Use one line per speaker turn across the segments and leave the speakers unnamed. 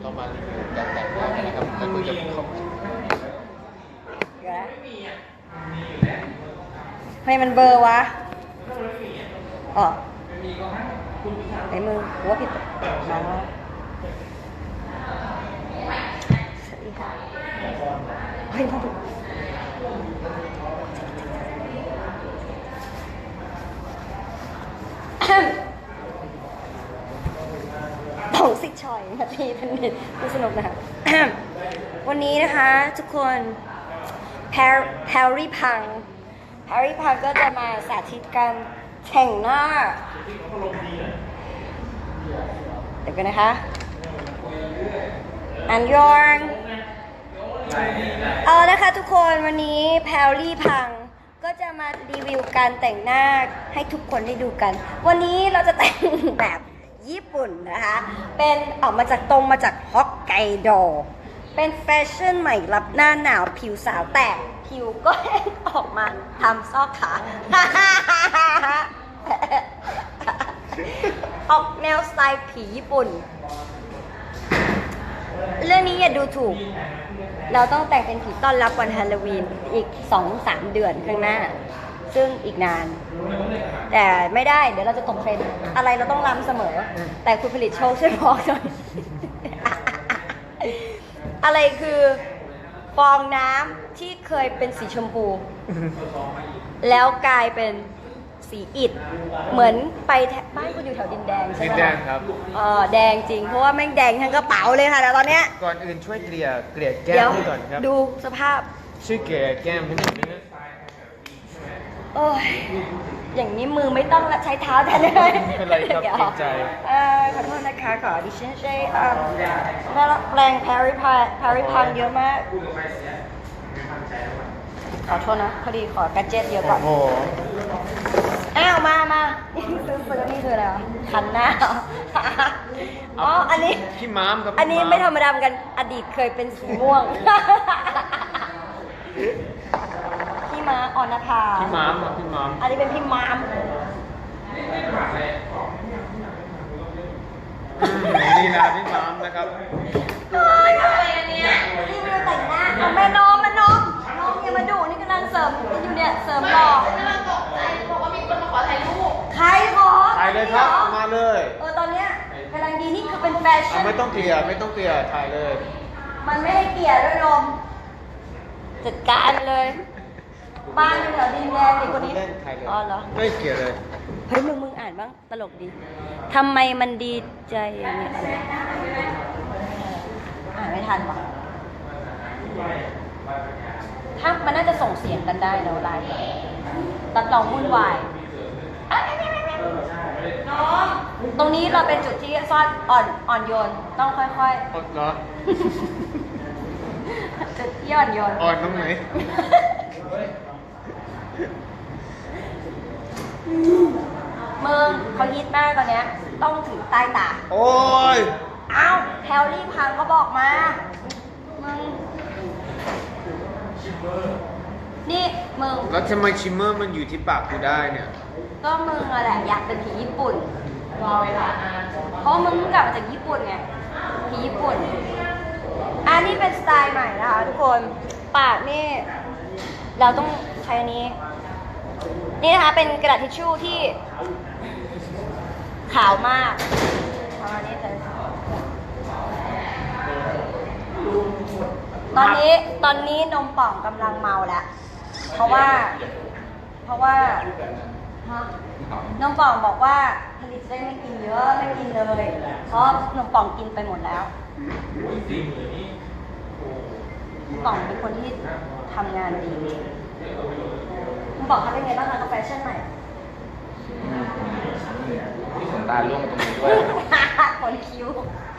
เรามารีวิวการแต่งหน้ากันนะครับแล้วก็จะเข้า
ทำไมมันเบอร์วะอ๋อไอ้มือหัวผิดมาแล้วสวัสดีค่ะเฮ้ยมาดูต้องสิชอยนาทีเป็นผู้สนุกนะคะ วันนี้นะคะทุกคนแพรรี่พังก็จะมาสาธิตการแต่งหน้าเดี๋ยวกันนะคะอันยองเอานะคะทุกคนวันนี้แพรรี่พังก็จะมารีวิวการแต่งหน้าให้ทุกคนได้ดูกันวันนี้เราจะแต่งแบบญี่ปุ่นนะคะเป็นออกมาจากฮอกไกโดเป็นแฟชั่นใหม่รับหน้าหนาวผิวสาวแตกผิวก็ออกมาทำซอกขา ออกแนวสไตล์ผีญี่ปุ่นเรื่องนี้อย่าดูถูกเราต้องแต่งเป็นผีต้อนรับวันฮาโลวีนอีก 2-3 เดือนข้างหน้าซึ่งอีกนานแต่ไม่ได้เดี๋ยวเราจะตกเทรนด์อะไรเราต้องล้ำเสมอแต่คุณผลิตโชคช่วยบอกหน่อย อะไรคือฟองน้ำที่เคยเป็นสีชมพูแล้วกลายเป็นสีอิฐเหมือนไปบ้านคุณอยู่แถวดินแดงใช่ไหม
ดินแดงครับ
แดงจริงเพราะว่าแม่งแดงทั้งกระเป๋าเลยค่ะแต่ตอนเนี้ย
ก่อนอื่นช่วยเกลี่ยแก้
เดี๋ยว
มให้ก่อนครับ
ดูสภาพ
ช่วยเกลี่ยแก้มให้หน่อยนะ
โอ้ยอย่างนี้มือไม่ต้องละใช้เท้าแทนเลย
ไม่เป็นไรครับ
ดี๋ยว
เกรงใจ
ขอโทษนะคะขอดิฉันใช้แรงแพริพังเยอะมากขอโทษนะพอดีขอแกดเจ็ตเยอะก่อน
โอ้โห
อ้าวมาซื้อนี่คืออะไรวะคันหน้าอ๋ออันนี้
พี่ม้ามครับ
อันนี้ไม่ธรรมดาเหมือนกันอดีตเคยเป็นสีม่วง พี่ม้าออนภา
พี่ม้ามครับพี่ม้าม
อันนี้เป็นพี่ม้าม
นี่นะพี่ม้ามนะครับ
เฮ้ยอะไรเนี่ยนี่มือแต่งหน้าเอาแม่น้องน้องอย่ามาดุนี่กำลังเสริมอยู่เนี่ยเสริมหล่อก
ำลังตกใจบอกว่ามีคนมาขอถ่ายรูป
ใครขอ
ถ่ายเลยครับมาเลย
ตอนเนี้ยกำลังดีนี่คือเป็นแฟชั่น
ไม่ต้องเกลี่ยถ่ายเลย
มันไม่ให้เกลียดด้วยนมจัดการเลย บ้านอยู่แถวดินแดงเด็กคนนี้
เล่นถ่ายเลย
อ๋อเหรอ
ไม่เกลี่ยเลย
เฮ้ยมึงอ่านบ้างตลกดีทำไมมันดีใจอย่างเงี้ยอ่านไม่ทันวะถ้ามันน่าจะส่งเสียงกันได้เนอะไลน์ตัดต่อวุ่นวายน้องตรงนี้เราเป็นจุดที่ซ่อนอ่อนโยนต้องค่อย
เหรอ
ๆจุดที่อ่อนโยน
อ่อนตรงไหน
มึงเขาฮิตมากตอนเนี้ยต้องถือใต้ตา
โอ้ย
อ้าวแพลรี่พังก็บอกมา มึง นี่มึง
แล้วทำไมชิมเมอร์มันอยู่ที่ปากกูได้เนี่ย
ก็มึงอะแหละอยากเป็นผีญี่ปุ่นรอเวลานานเพราะมึงเพิ่งกลับมาจากญี่ปุ่นไง ผีญี่ปุ่น อันนี้เป็นสไตล์ใหม่นะคะทุกคน ปากนี่ เราต้องใช้อันนี้ นี่นะคะเป็นกระดาษทิชชู่ที่ขาวมากประมาณนี้เลยตอนนี้นมป่องกำลังเมาแล้ว เพราะว่าฮะนมป่องบอกว่าผลิตได้ไม่กินเยอะไม่กินเลย เพราะนมป่องกินไปหมดแล้วนมป่องเป็นคนที่ทำงานดีนมป่องทำเป็นไงบ้างคะกับแฟชั่นใหม่
ที่ขนตาล่วงตรงนี้ด้วย
คนคิ้ว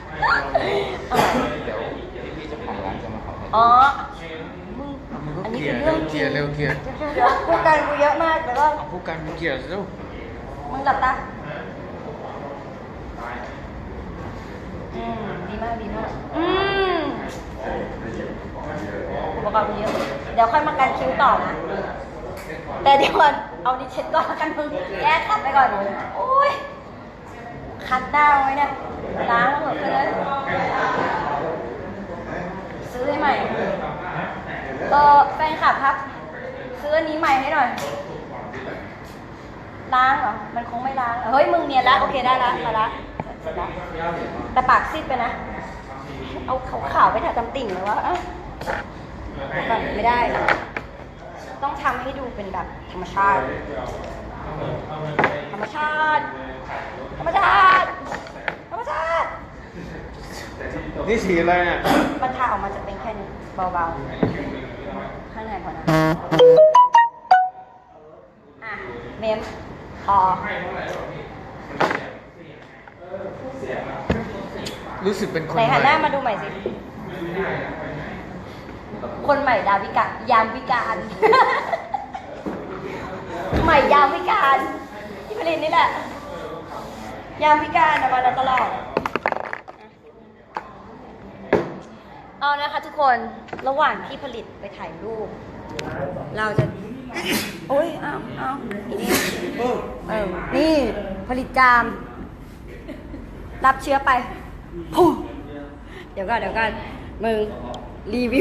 เดี๋ยวพี่เจ้าของร้านจะมาขอ
อ๋อมึงอันนี้เป็นเรื่องจริง
เร็วเกลี่ย
เดี๋ยวพูดกันกูเยอะมากแต่ว่า
ผู้การเกลี่ยเร็ว
มึงหลับตาดีมากอุปกรณ์กูเยอะเดี๋ยวค่อยมากันคิ้วต่อนะ แต่เดี๋ยวก่อนเอาดิเช็ดก่อนกันมึงแยกขัดไปก่อนโอ้ยคัดหน้าไว้เนี่ยล้างแล้วเหอะไปเลยขับครับ ซื้ออันนี้ใหม่ให้หน่อย ล้างเหรอ มันคงไม่ล้าง เฮ้ย มึงเนียนละ โอเคได้ละมาละเสร็จละแต่ปากซีดไปนะ เอาขาวๆไปถ่ายตำติ่งเลยวะเอ้าแบบไม่ได้ ต้องทำให้ดูเป็นแบบธรรมชาติ ธรรมชาติ ธรรมชาติ ธรรมชาติ
นี่สีอะไรเนี่ย
มันทาออกมาจะเป็นแค่นี้เบาๆ ข้างในพอนะ อ่ะ เมมพอ
รู้สึกเป็นคน
ไหนหันหน้า
ใหม่
มาดูใหม่สิ คนใหม่ดาวิกะ ยามวิการ ใหม่ยามวิการที่ผลิตนี่แหละ ยามวิการมาตลอด เอานะคะทุกคน ระหว่างที่ผลิตไปถ่ายรูป เราจะ โอ้ยเอาอีนี่นี่ ผลิตจาม รับเชื้อไปพูเดี๋ยวก่อนมึง รีวิ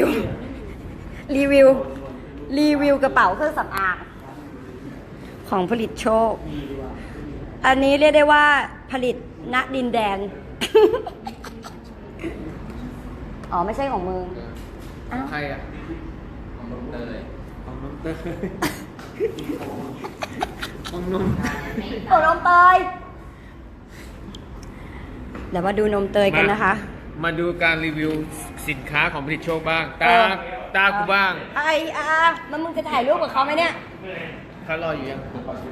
วกระเป๋าเครื่องสำอาง ของผลิตโชค อันนี้เรียกได้ว่าผลิตณดินแดน อ๋อ ไม่ใช่ของมึง อ้าว
ใครอ่ะของน้องเตยของน้องเตยของนม
ของนมเตย เดี๋ยวมาดูนมเตยกันนะคะ
มาดูการรีวิวสินค้าของผลิตโชคบ้าง
เออ
ตากูบ้าง
มันมึงจะถ่ายรูปกับเขาไหมเนี่ย
เขารออยู่ยัง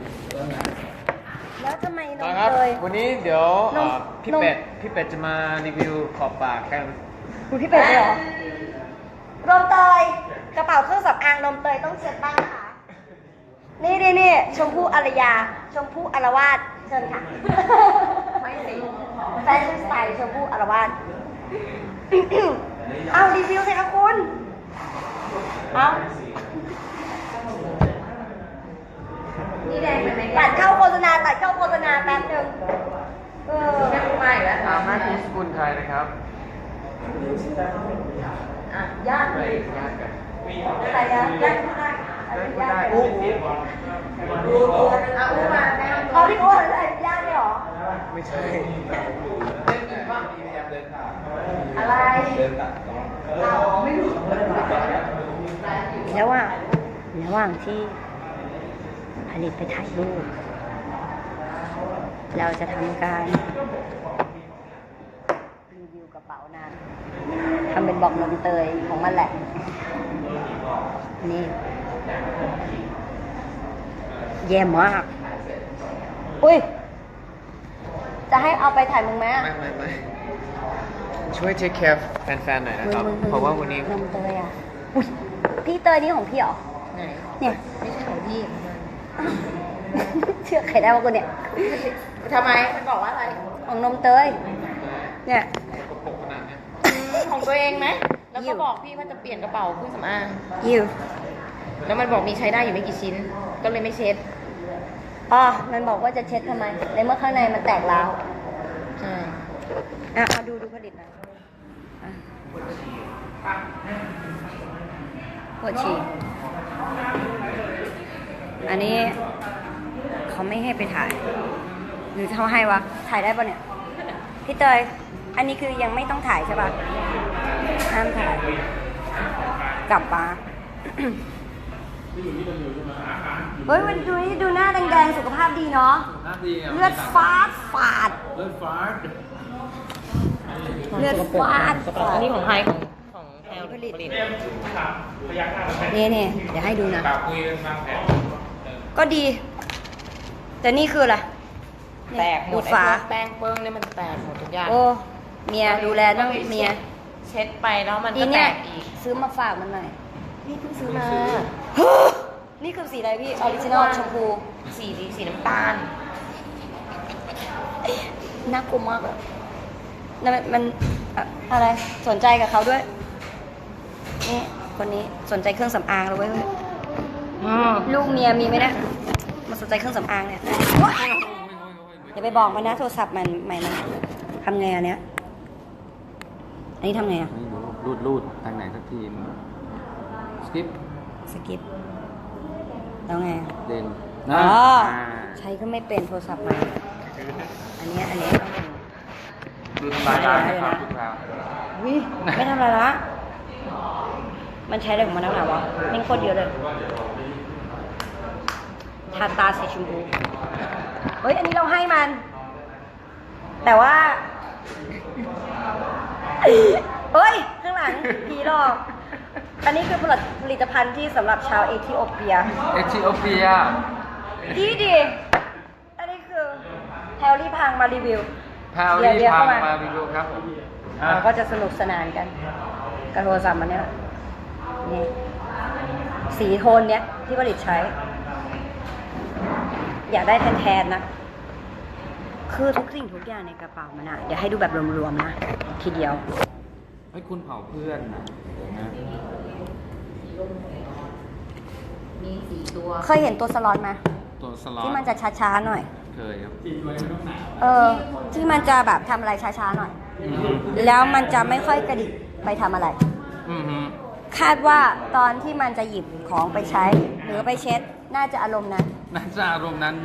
แล้วทำไมน
ต่อ
ม
ครับ
เตย
วันนี้เดี๋ยวน
ม
พี่
นม
เป็ดจะมารีวิวขอบปากกัน
ดูพี่เป็ดเลยเหรอ นมเตย กระเป๋าเครื่องสำอางนมเตยต้องเช็ดบ้างนะคะ นี่ชมพู่อารยา ชมพู่อารวาสเชิญค่ะ ไม่สิแฟชั่นสไตล์ชมพู่อารวาส เอารีวิวสิคะคุณ เอานี่แดงไปไหมตัดเข้าโฆษณาแป๊บนึงไม่ไปแล้ว
ตามหน้าที่สกุลไทยนะครับ
ญาติ
ไปญาติกัน
ใครญาติญาติผู้ได้ญาติ
อู้
มาเขาพี่โอ้ยญาติเลยเหรอ
ไม่ใช่
อะไร ไม่รู้ระหว่างที่ผลิตไปถ่ายรูป เราจะทำการรีวิวกระเป๋านางทำเป็นบอกนมเตยของมันแหละ นี่แย่มาก อุ้ย จะให้เอาไปถ่ายมึงไหม
ไม่ช่วยเทคแคร์แฟนๆหน่อยนะครับ เพราะว่าวันนี้
นมเตยอ่ะ อุ้ย พี่เตยนี่ของพี่เหรอ
ไหน
เนี่ย
ไม่ใช่ของพี่
เชื่อใครได้ว่ากูเนี่ย
ทำไม มันบอกว่าอะไร
ของนมเตย เนี่ย
ปกขนาดเนี้ย
ของตัวเองไหม แล้วก็บอกพี่ว่าจะเปลี่ยนกระเป๋าเครื่องสำอาง
ยิว
แล้วมันบอกมีใช้ได้อยู่ไม่กี่ชิ้น ก็เลยไม่เช็ด
อ๋อ มันบอกว่าจะเช็ดทำไม ในเมื่อข้างในมันแตกร้าว
ใช่
เอาดูผลิตหน่อยปวดฉี่อันนี้เขาไม่ให้ไปถ่าย หรือเขาให้วะ ถ่ายได้ปะเนี่ย พี่เตย อันนี้คือยังไม่ต้องถ่ายใช่ปะห้ามถ่าย กลับมา เฮ้ยวันนี้ดูหน้าแดงๆ สุขภาพดีเนาะ เลือดฟาดฝาด เลือดฟาด
อันนี้ของไทยของแพลวผลิต
นี่เดี๋ยวให้ดูนะ ก็ดี แต่นี่คืออะไร
แตกหม
ดู
ด
ด
ไอ้
ฝา
พวกแป้งเปิ้งเนี่ยมันแตกหมดทุกอย่าง
โอ้ เมียดูแลต้องเมีย
เช็ดไปแล้วมัน
อี
ก็แต
เนี่ย
กอีก
ซื้อมาฝากมันหน่อย
นี่เพิ่งซื้อมา
นี่คือสีอะไรพี่ ออริจินอลชมพู
สีน้ำตาล
น่ากลัวมากอะแล้วมันอะไร สนใจกับเขาด้วย นี่ คนนี้สนใจเครื่องสำอางแล้วเว้ยลูกเมียมีไหมเนี่ยมาสนใจเครื่องสำอางเนี่ยอย่าไปบอกมันนะโทรศัพท์มันใหม่มันทำไงอันเนี้ย อันนี้ทำไงอ่ะ
รูดทางไหนสักทีสกิป
สกิปแล้วไง
เด่น
อ๋
นะ
อ
อ่า
ใช้ก็ไม่เป็นโทรศัพท์ใหม่อันนี้ต้องดู
ดูทำลายร้านนะครับทุกคราว
วิไม่ทำอะไรละ มันใช้อะไรของมันนักหนาวะนี่โคตรเยอะเลยทาตาสีชมพูเฮ้ย อันนี้เราให้มัน แต่ว่า เฮ้ย ข้างหลังผีหลอก อันนี้คือผลิตภัณฑ์ที่สำหรับชาวเอธิโอเปีย
เอธิโอเปีย
ดีอันนี้คือแพลลี่พังมารีวิว
พาวลี่พังมารีวิวครับผม
เราก็จะสนุกสนานกันกับโทรศัพท์มันเนี่ยนี่สีโทนเนี้ยที่ผลิตใช้ อยากได้แทนๆนะ คือทุกสิ่งทุกอย่างในกระเป๋ามันอะเดี๋ยวให้ดูแบบรวมๆนะ ทีเดียว
ไอ้ยคุณเผาเพื่อนนะเดี๋ยวนะ
มี4 ตัว
เคยเห็นตัวสล็อตไหม
ตัวสล็อต
ที่มันจะช้าๆหน่อย
เคยครับ
ที่มันจะแบบทำอะไรช้าๆหน่อย แล้วมันจะไม่ค่อยกระดิกไปทำอะไร
อือฮึ
คาดว่าตอนที่มันจะหยิบของไปใช้ หรือไปเช็ด น่าจะอารมณ์นั้น
น่าจะอารมณ์นั้น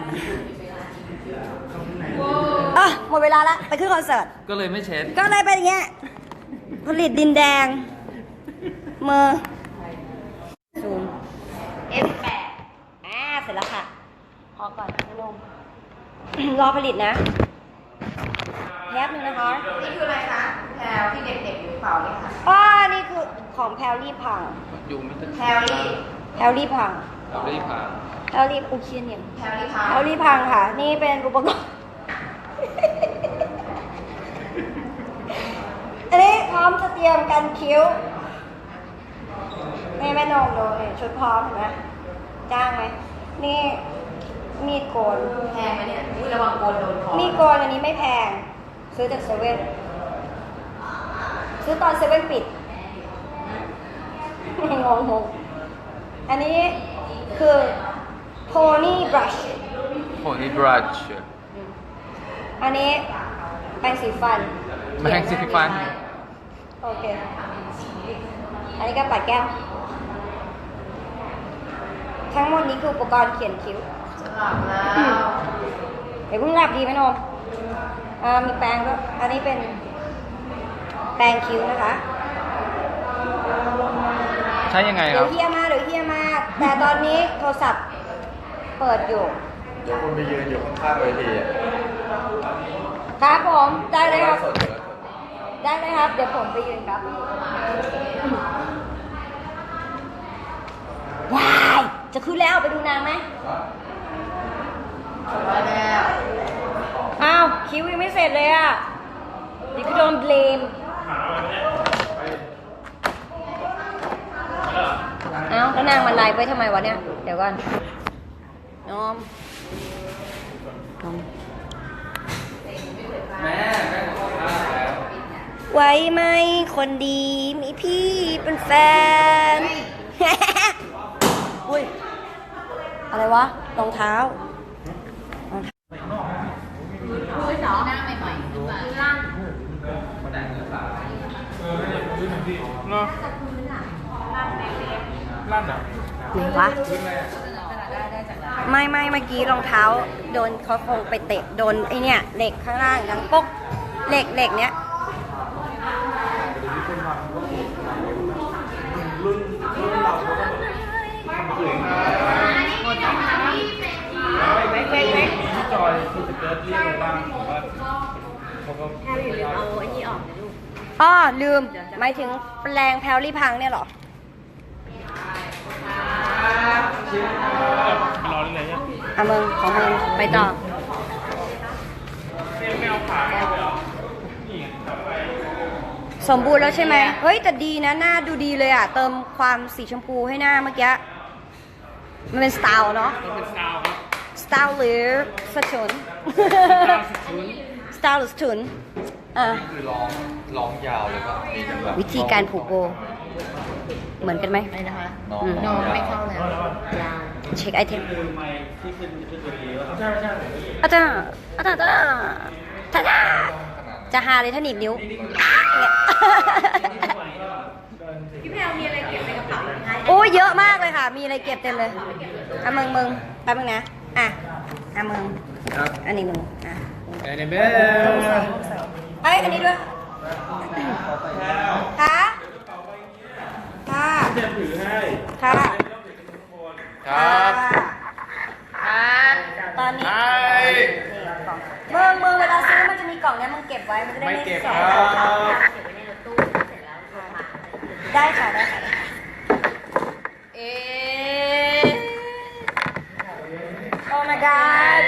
หมดเวลาละไปขึ้นคอนเสิร์ต
ก็เลยไม่เช็ด
ก็เลยเป็นอย่างเงี้ย ผลิตดินแดง มือซูม F8 เสร็จแล้วค่ะ พอก่อนพี่นุ่ม รอผลิตนะแป๊บนึงนะคะ
นี่คืออะไรคะแพลวที่เด็กๆอยู่เปล่าเนี่ยค่ะ
นี่คือของแพลลี่พัง
อยู่ไม่ถึง
แพลลี่
แพลลี่พัง
เราได้ผ่าน
แพลลี่อุเชียนเนี่ย
แพลลี่พัง
แพลลี่พังค่ะ นี่เป็นอุปกรณ์ อันนี้พร้อมจะเตรียมกันคิ้วแม่นมดูนี่ชุดพร้อมเห็นไหมจ้างไหม นี่มีดโกน
แพงไหมเนี่ยอุ้ยระวังโกนโดนคอ
มีดโกนอันนี้ไม่แพง ซื้อจากเซเว่น ซื้อตอนเซเว่นปิด งงอันนี้คือโพนี่บรัช
โพนี่บรัช
อันนี้แปรงสีฟัน
แปรงสีฟัน
โอเค อันนี้ก็ปัดแก้ม ทั้งหมดนี้คืออุปกรณ์เขียนคิ้ว
จะหลับแล้ว
เดี๋ยวเพิ่งหลับดีไหมนมมีแปรงก็อันนี้เป็นแปรงคิ้วนะคะ
ใช้ยังไงค
เดี๋
รั
ยว
บ
เฮียมาแต่ตอนนี้โทรศัพท์เปิดอยู่
เดี๋ยวคุณไปยืนอยู่ข้างๆเวทีอ่ะ
ครับผมได้เลยครับ
สดอยู่
ได้เลยครับ เดี๋ยวผมไปยืนครับ ว้าย จะขึ้นแล้วไปดูนางไหม
ไปแล้ว
อ้าวคิวยังไม่เสร็จเลยอ่ะเดี๋ยวก็โดนเบลมเอ้าแล้วนางมันไลฟ์ไว้ทำไมวะเนี่ย เดี๋ยวก่อนน้อม
แม่ของข้าแล้ว
ไว้ไหมคนดีมีพี่เป็นแฟน อุ้ย อะไรวะรองเท้า
คือสองหน้าใหม่ๆขึ้นมาล่าง
ไหนวะไม่เมื่อกี้รองเท้าโดนเขาคงไปเตะโดนไอเนี่ยเหล็กข้างล่างดังป๊กเหล็กเนี้ยลืมหมายถึงแปลงแพลลี่พังเนี่ยเหรอมึงของมึงไปต่อสมบูรณ์แล้วใช่ไหมเฮ้ยแต่ดีนะหน้าดูดีเลยอ่ะเติมความสีชมพูให้หน้าเมื่อกี้มันเป็นสไตล์เนาะสไตล์หรือสะทุนสไตล์หรือสะทุน
คือร้องยาวเลยป่ะมีจังหวะ
วิธีการผูกโบเหมือนกันไหม
อะไรนะคะ
น้อง
นอนไม่เข้าแล้วยาว
เช็คไอเทมอาจารย์จะหาเลยถ้าหนีบนิ้ว
พี่แพลวมีอะไรเก็บในกระเป๋าไหมคะ
โอ้ยเยอะมากเลยค่ะมีอะไรเก็บเต็มเลยอ่ะมึงแป๊บนึงนะอ่ะมึง
ครับ
อันนี้มึงอ่ะ
เอเนเบอร์
เอ้ยอันนี้ด้วยค่ะค่ะ
เตรียมถือให้
ค่ะ
ครับ
ตอนนี้
ใช่
มึงเวลาซื้อมันจะมีกล่องเนี้ยมึงเก็บไว้มันจะได้
ไม่
ไม่
เก็บ
ส
ค
อ
รั
ง
บ
ได้ค่ะ
เอ๊ะ
โอ้ my god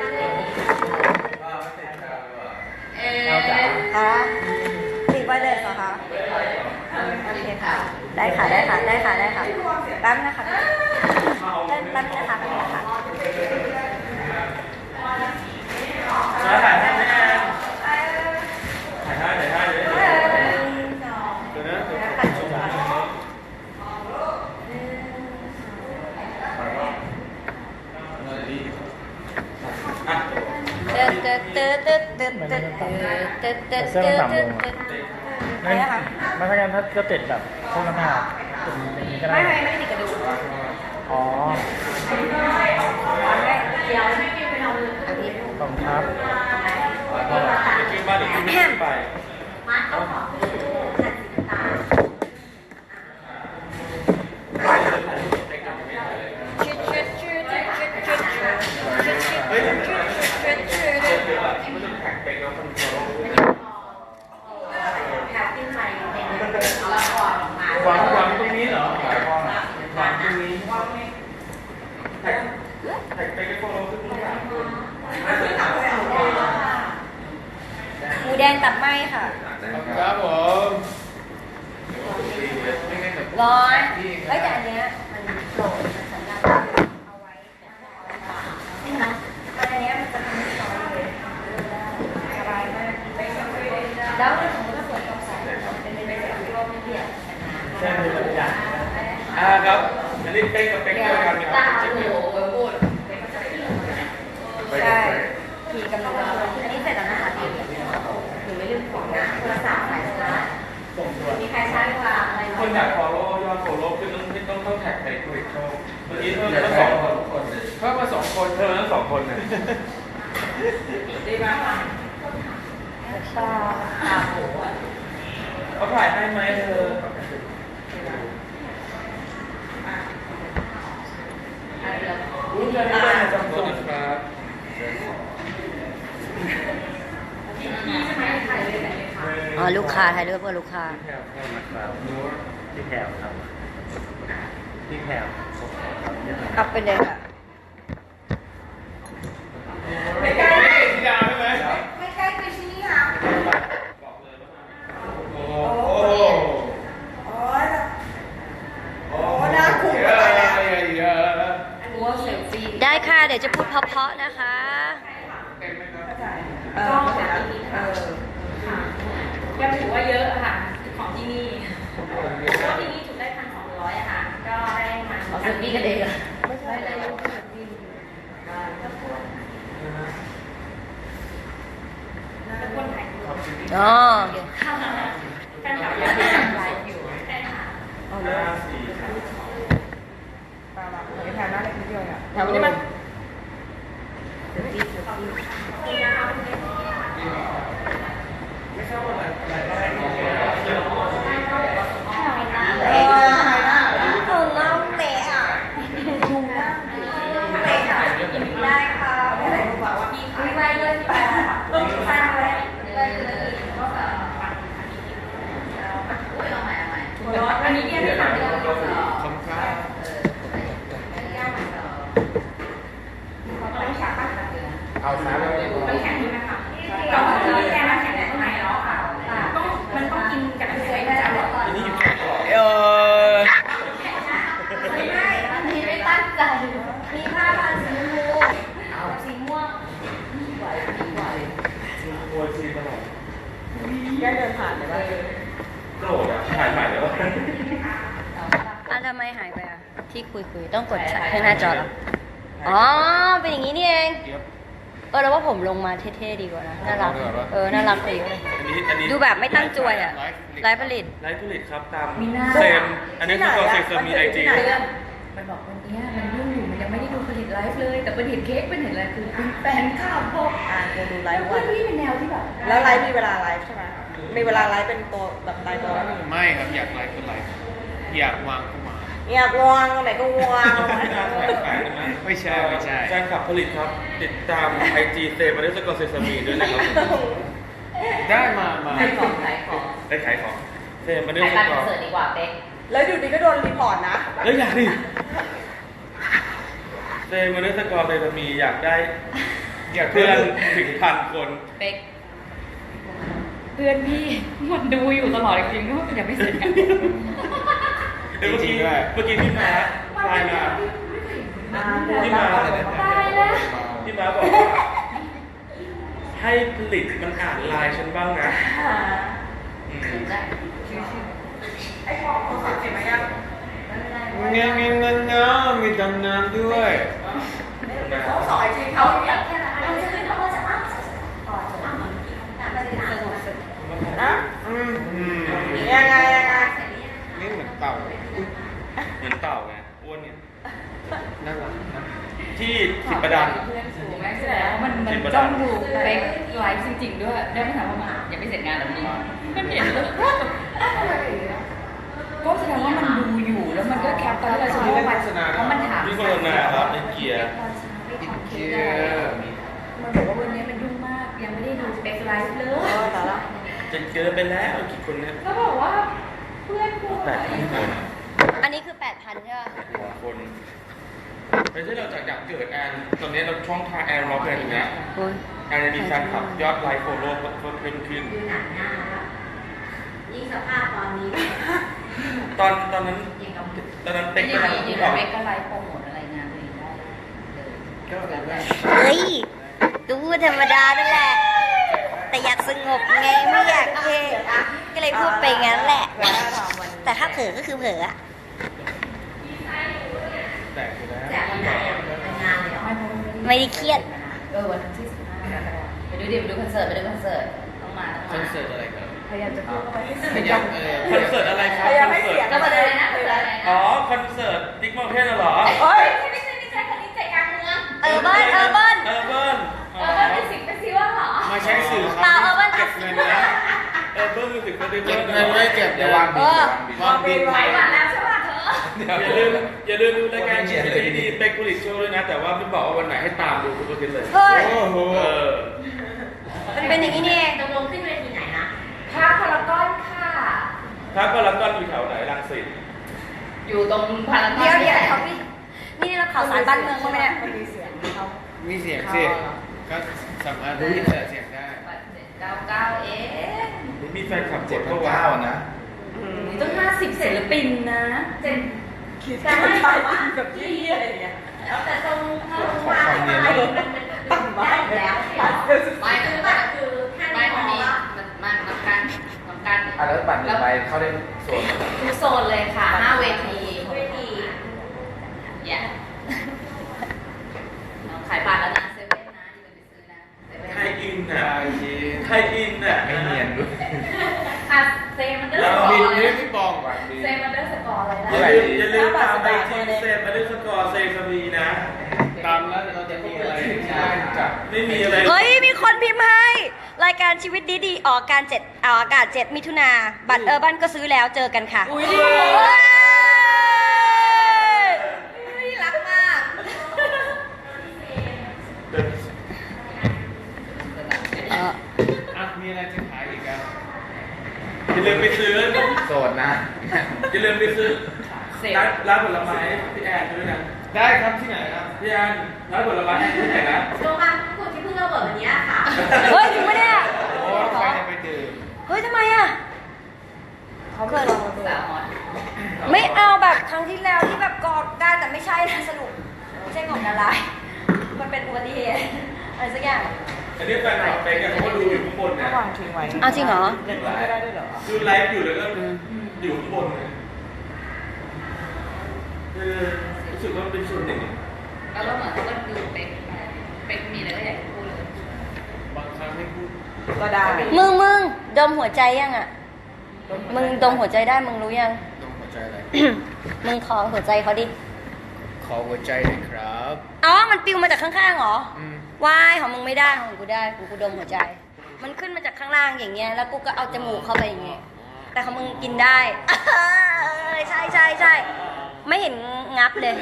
คะติดไว้เลยเหรอคะโอเคค่ะ ได้ค่ะแป๊บนะคะแป๊บนะคะ
ถ่ายให้ไหมแอนถ่ายให้เลยเดี๋ยวนะเดี๋ยวชม
อะไรนะคะ
ไม่ถ้างั้นถ้าจะติดแบบพวกน้ำหนักติดอย่างนี้ก็ได้
ไม่ได้ติดกระดูก
อ๋อ
เดี๋ยว
ขอบคุณครับ
เดี๋ยวขึ้นบ้านเดี๋ยวขึ้นไป วางตรงนี้เหรอวางตรงนี้แท็กไปก็โฟล์ขึ้นที่3 คน
หมูแดงตัดไหมค่ะ
ครับผม
ร้อนเฮ้ยแต่อันเนี้ยมันโปร่งมันสัญญาณเอาไว้นะอันเนี้ยมันจะทำให้ซอยเลยสบายมากแล้วถ้าสมมติว่าฝนตกใส่เป็นไปได้แบบร่มเปียก
แค่มีตัวอย่าง
ครับ อันนี้เป๊กกับเป๊กเดียวกันค
ตา
รับ
โหพูดใช่ขี่กำลังอันนี้เสร็จแล้วนะคะพี่ถึงไม่ลืมของนะโทรศัพท์สายชาร์จมีใครชาร์จกลางอะไร
คนอยาก follow ยอด follow ขึ้นต้องแท็กไปคุยโชว์เมื่อกี้เพิ่มทั้ง2 คนทุกคนเลย
เพิ่มมา2 คน
เพิ่มทั้ง2 คนเลย
ดีมากชาร์จ
เขาถ่ายให้ไหมเธออุ้ยเธอได้ไหมจำตัวครับ
อ๋อลูกค้าถ่ายรูปกับลูกค้า
แถวเข้ามาครับที่แถวครับที่แถว
กลับไปเลยค่ะ
ไม่ใกล้ที่ดาวใช่ไหม
ไม่ใกล้ไปที่นี่ค่ะ
โอ้โห
โอ้น่าคุ้มไปแล้ว
หัวเซลฟี่
ได้ค่ะ เดี๋ยวจะพูดเพราะๆนะคะ
ก็แบบนี้ค่ะยังถือว่าเยอะอะค่ะของที่นี่ก็ที่นี่ถูกได้1,200อะค่ะ ก็ได้มาเซลฟี่กันเองอะไม่ใช่เลยรูปเซลฟี่แล้วคนถ่ายรูป
อ๋อโอเค
แฟนคลับยังไม่ทำไลฟ์อยู่ใช่ค่ะ
แถวนี้มัน เออเล่าเตะอ่ะดูว่าเตะอ่ะได้ค่ะไม่ได้บอกว่าพี่คุยไว้เลยไปต้องฟังเลยอันนี้เนี่ยที่ทำเลย
ขอบคุณครับ
ต้องฉากปะ
เอาสามเลย
มันแข็งใช่ไหมคะเราแค่มันแข็งแต่ข้างในเนาะค่ะต้องมันต้องกินกับเฉยๆจับเลย
อันนี้อยู่แค่ก่อน
ไม่ได้อันนี้ไม่ตั้งใจมีผ้าพันสีชมพูกับสีม่วง
โวยซีตลอด
แกเดินผ่านเลยว่า
โกรธอ่ะถ่ายใหม่แล้ว
ทำไมหายไปอ่ะ ที่คุยต้องกดแชร์ให้หน้าจอเหรออ๋อ เป็นอย่างนี้นี่เองแล้วว่าผมลงมาเท่ๆดีกว่านะ น่ารัก น่ารักกว่าเยอะเลย
อันนี้
ดูแบบไม่ตั้งจวยอ่ะไร้ผลิต
ไลฟ์ผลิตครับตามเซมอันนี้คือกองเซมมีไอจี
มันบอกวันเนี้ยมันยุ่งอยู่มันยังไม่ได้ดูผลิตไลฟ์เลย แต่เป็นเห็นเค้กเป็นเห็นอะไรคือเป็นแฟนคลับบอก
กูดูไล
แล้ว
ฟ์
เพื่
วั
อน
น
พี่เป็นแนวที่แบบ
แล้วไลฟ์มีเวลาไลฟ์ใช่ไหมมีเวลาไลฟ์เป็นตัวแบบรายตัวแล้ว
ไม่ครับอยากไลฟ์ก็ไลฟ์อยากวางก็วาง
อยากวางตรงไหนก็วาง
ไม่ใช่ไม่ใช่
แฟนคลับผลิตครับ ติดตามไอจีเซมาริสกอร์เซซามีด้วยนะครับ
ได้มา
ขายของขายของ
ได้ขายของเซมาริ
ขาย
ส
การ
ก
ค
อ
อน
ร์
เสิร์ตดีกว่าเป๊ก
แล้วอยู่ดีก็โดนรีพอร์ตนะ
เอ้ยอยากดิเซมาริสกอร์เซซามีอยากได้
อยาก
เพื่อนถึง1,000 คน
เป๊กเพื่อนพี่มันดูอยู่ตลอดจริงๆว่าอย่าไม่เสร็จกัน
เดี๋ยวเมื่อกี้พี่มาไลน์มาพี่มา
ตายแล้ว
พี่มาบอกว่าให้ผลิตมันอ่านไลน์ฉันบ้างนะอืม
เงี้ยเงี้ยเงี้ยเงี้ยมีตำนานด้วย
สอนจริงเขาอยาก ยังไง
นี่เหมือนเต่า
เหมือนเต่าไงอ้วนเนี่ย
น่ารักนะ
ที่สิบประดัน
เพื่อนสูงแม่แสดงว่ามันจ้องดูเป๊กไลฟ์จริงๆด้วยได้ไม่ถามว่ามันยังไม่เสร็จงานหรือนี่มันเห็นเลยก็แสดงว่ามันดูอยู่แล้วมันก็แคปตอนที่เราจะรู้ว่าเพราะมันถาม
ที่โฆษณาครับในเกียร์
มันบอกว่าวันนี้มันยุ่งมากยังไม่ได้ดูสเปคไลฟ์เลย
จะเจอไปแล้วกี่คนเนี่ย
ก็บอกว่าเพื่อนกู
8,000 คน
อันนี้คือ 8,000 ใช่ไหม
คนไม่ใช่เราจากอยากเกิดแอนตอนนี้เราช่องทางแอนเราเป็นอย่างเงี้ยแอนจะมีแฟนคลับยอดไลค์โฟโล่เพิ่มขึ้น
ยิ่งสภาพตอนนี้
ตอนนั้นเต็ก
ไม่
กำลัง
ได้ยิน
บอก
เป๊กก็ไลฟ์โปรโมทอะไรงานตัวเองได้
ก็แบบว่า
เฮ้ยก็พูดธรรมดานั่นแหละ แต่อยากสงบไงไม่อยากเท่ก็เลยพูดไปงั้นแหละ แต่ถ้าเผลอก็คือเผลออะ
แตกอยู่แล้ว
ไม่ได้เครียด
วันที่15ไปดูคอนเสิร์ตต้องมา
คอนเสิร์ตอะไรครับ
พยายามจะพูดเข้าไปให้
พยายาม
คอนเสิร์ตอะไรครับคอนเสิร์ต
ก็มาเลยนะคืออะไรนะ
อ๋อคอนเสิร์ตดิ๊กมอลเทนเหรอ
ไม่ใช่คนนี้ใจกลางเมือง
เออร์เบิ้ล
เออเบิ้ล
เป็นสิ่งเป็นซีว่าเหรอ
มาใช้สื่อค
เปล่า
รับ
เออร์เบิ้ล
เก็บเงินนะ
เออเบิ้ลมิวสิกเฟสติวั
เก็บ
ล
เงินไว้เก็บเดี๋ยววางบินวางบิน
ไปก่อนแล้วใช่ป่ะเธอ
อย่าลืมดูรายการชีวิตดีๆเป็กผลิตโชว์ด้วยนะ แต่ว่าไม่บอกว่าวันไหนให้ตามดูทุกอาทิตย์เลย
เฮ้ย
โอ้โห
เออ
มันเป็นอย่างนี้นี่เอง
ตกลงขึ้นเวทีไหนนะภาคพารากอนค่ะ
ถ้าพารากอนอยู่แถวไหนรังสิต
อยู่ตรงพารากอน
เดี๋ยวเขาพี่นี่เราข่าวสารบ้านเมืองเขาไหมเนี่ย
มีเสียงสิก็สามารถที่จะเสียงได้
99เอ๊ะ
มีแฟนคลับกดเข้าว้านะ
ต้อง50ศิลปินนะเจนแต่ไม่ใช่แบบยี่อะไรอย่างเงี้ยแล้วแต่ตรงวางไปมันได้แล้วไม่คือถ้าไม่มีมันต้องการ
แล้วบัตร1 ใบเข้าได้ส่วน
ทุกโซนเลยค่ะ5 เวทีอย่าขายบัตรแล้วนะเซเว่นนะอย่าลืมไปซื้อนะ
ไทยอินน่ะ
ได้จริง
ไทยอินน่ะ
ไม่เนียนด้วย
ค่ะเซมันเดอร์
วา
ส
ง
กอ
บิน
ร์
นี่พี่บองวางบิน
เซมันเดอร์สกอร์อะไรนะ
อย่าลืมตามไอจีเซฟมาด้วยสกอร์เซฟมีนะ
ตามแล้วเราจะมีอะไรใช่จับ
ไม่มีอะไร
เฮ้ย มีคนพิมพ์ให้ รายการชีวิตดีๆออกอากาศ 7 มิถุนาบัตรเออร์บันก็ซื้อแล้วเจอกันค่ะ
อุ้ย
เฮ้ย
รักมาก
อ่ะมีอะไรจะขายอีกอ่ะ
อย่าลืมไปซื้อ
โสดนะ
อย่าลืมไปซื้อ
เสร็จ
ร้านผลไม้พี่แอนด้วยนะ
ได้ครับที่ไหนครับ
พี่แอนร้านผลไม้ที่ไหนนะ
โรงงานคุณที่เพิ่งระเบิดวันนี้ค่ะ
เฮ้ยจริงปะเนี่ย
โอ้ใครจะไปดื่ม
เฮ้ยทำไมอ่ะ
เขาเกิดสาวอน
ไม่เอาแบบครั้งที่แล้วที่แบบกอดกันแต่ไม่ใช่นะสรุปไม่ใช่ของดารามันเป็นอุบัติเหตุอะไรสักอย่าง
อันนี้แฟนคลับเป็กเขาก็ดูอยู่ข้างบนนะ
เอาจริงเหรอ
ดูไลฟ์อยู่แล้วก็อยู่ข้างบนเลยคือรู้สึกว่ามันเป็นส่วนหนึ่ง
แล้วก็เหมือนเขาก็ดูเป็กมีอะไรก็อยากพูดเลย
บางครั้งไม่พูด
มึงดมหัวใจยังอ่ะ มึงดมหัวใจได้มึงรู้ยัง
ตรงหัวใจอะไร
มึงขอหัวใจเขาดิ
ขอหัวใจด้วยครับ
อ๋อ มันปิวมาจากข้างๆเหรอ
อืม
วายของมึงไม่ได้ของกูได้กูดมหัวใจ มันขึ้นมาจากข้างล่างอย่างเงี้ย แล้วกูก็เอาจมูกเข้าไปอย่างเงี้ย แต่ของมึงกินได้ ใช่ใช่ใช่ไม่เห็นงับเลย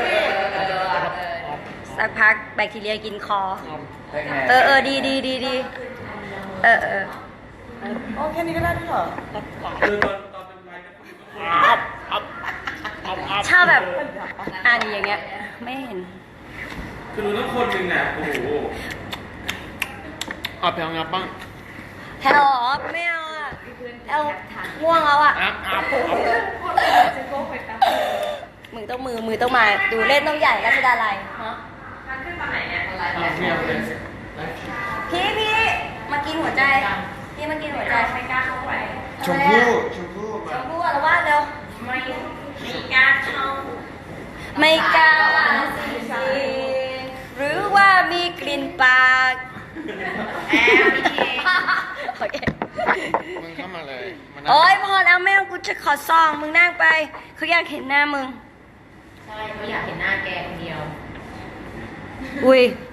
สักพักแบคทีเรียกินคอ ดีดีเออ
อ๋อแค่นี้ก็ได้ด้วยเหรอคือตอนเป็นไลน์กัน
ชอบแบบนี่อย่างเงี้ย ไม่เห็น
คือรู้ต้องคนหนึ่งอ่ะโอ้โห
เอาเพียงงับบ้าง
แถวไม่เอาอ่ะเอาง่วงแล้วอ่ะ มือต้องมาดูเล่นต้องใหญ่ราชดาลัยฮะ
มันขึ้นตอนไหนเนี่ยอะไร
ไม่เอาเลย
พี่มากินหัวใจพี่มากินหัวใจ
ไม่กล้าเข้าไป
ชมพู่
ชมพู่อารวาสเร็ว
ไม่กล้าเข้า
ไม่กล้าสิหรือว่ามีกลิ่นปากโอเค
มึงเข้ามาเลยมานั่ง
โอ๊ยพอแล้วแม่กูจะขอซองมึงนั่งไปเขาอยากเห็นหน้ามึง
ใช่เขาอยากเห็นหน้าแกคนเดียว
อุ้ย